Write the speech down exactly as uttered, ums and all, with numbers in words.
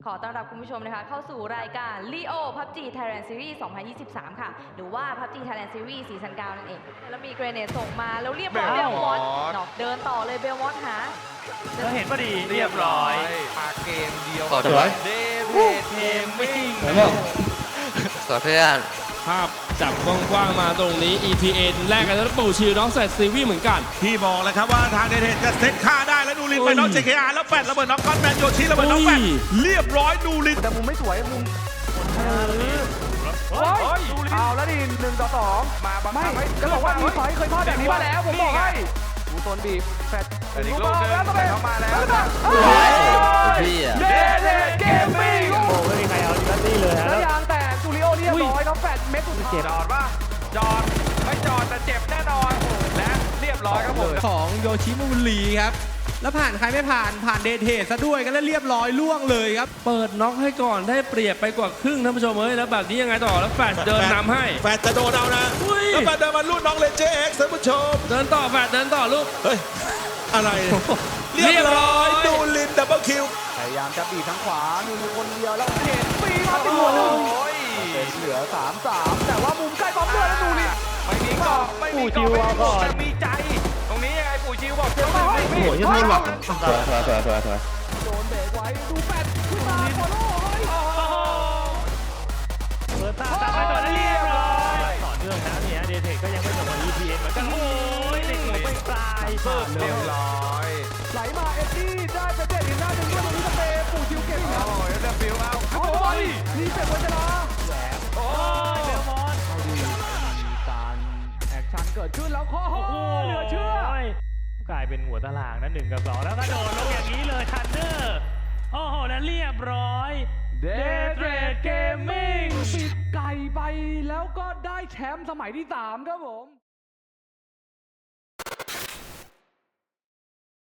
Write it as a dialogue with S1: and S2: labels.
S1: ขอต้อนรับคุณผู้ชมนะคะเข้าสู่รายการ Leo พับจี Thailand Series สองพันยี่สิบสาม ค่ะหรือว่า พับจี Thailand Series ซีซั่น เก้า นั่นเองแล้วมีเกรเนตส่งมาแล้วเรียบร้อยเบลมอสเดินต่อเลยเบลมอสหา
S2: เราเห็นพอดีเรียบร้อย
S3: มาเกมเดียว
S4: ขอถือไว้
S3: เดวิดเทมมิ่ง
S4: ขอเพื่อน
S5: ภาพจับกว้างๆมาตรงนี้ อี ที เอ็น แลกกันแล้วปู่ชิลน้องแซดซีวีเหมือนกัน
S6: ที่บอกเลยครับว่าทางเดเทนจะเซตค่าได้แล้วนูรินไปน้อง เจ เค อาร์ แล้วแฟดระเบิดน้องก้อนแมนโยชิระเบิดน้องแฟดเรียบร้อยนูริน
S2: แต่มุมไม่สวยมุมโอ้ยเอาแล้วดิหนึ่งต่อสองมาบังคับไม่จะบอกว่ามีไฟเคยทอดแบบนี้มาแล้วผมบอกให้ดูโซนบีบแฟดอีกลูกนึงแล้วเข้ามาแล้ว
S4: พี่อ่ะ
S2: เดเดเกมมิ่งโอ้ไม่มีใครเอาดิตี้เลยฮะแล้วยางแตกจูริโอเรียบร้อยน้องแฟดเม็ดสุดท้ายจอดป่ะจอดไม่จอดแต่เจ็บแน่นอนและเรียบร้อยครับผม
S7: ของโยชิมุรีครับแล้วผ่านใครไม่ผ่านผ่านเดทเทซะด้วยกันแล้วเรียบร้อยล่วงเลยครับ
S5: เปิดน็อกให้ก่อนได้เปรียบไปกว่าครึ่งท่านผู้ชมเอ้ยแล้วแบบนี้ยังไงต่อแล้วแฟดเดินนำให้
S6: แฟดจะโดนเอานะแล้วแฟดเดินมาลูกน้องเลนเจเอ็กซ์ท่านผู้ชม
S5: เดินต่อแฟดเดินต่อลูก
S6: เฮ้ยอะไรเรียบร้อยนูรินดับเบิลคิว
S2: พยายามจะบีบทางขวามีคนเดียวแล้วเห็นปีมาติดหัวหนึ่งเป็นเหลือสามสามแต่ว่ามุมใกล้บอมเลือดแล้วดูนี่ไม่มีเกาะไม่มีเกาะไม่มีเกาะแต่มีใจตรงนี้ยังไงปู่ชิวบอกเจ้าไม่ไม่ไม่โอ้ยยังไม่หลับ
S4: สวยสวยสวยสวยสวย
S2: โดนเบรกไว้ดูแปดขึ้นมาโคโน่เฮ้ยเปิดตาตาไปต่อได้เรียบร้อยต่อเนื่องนะเนี่ยเดเทคก็ยังไม่จบกับ อี พี เอ็น เหมือนกันโอ้ยเด็กหัวไปปลายเรียบร้อยไหลมาเอ็ดดี้ได้เป็นเด็ดอีกหน้าหนึ่งด้วยตรงนี้สเปย์ปู่ชิวเก่งครับโอ้ยเดบิวเอาโอ้ยนี่เป็นวัชระแหลมโอ้ยเบลมอนเอาดีมีการแอคชั่นเกิดขึ้นแล้วข้อเหลือเชื่อกลายเป็นหัวตารางนั้นหนึ่งกับสองแล้วก็โดนลงอย่างนี้เลยทันเดอร์โอ้โหแล้วเรียบร้อยเดทเรดเกมมิ่งปิดไก่ไปแล้วก็ได้แชมป์สมัยที่สามครับผม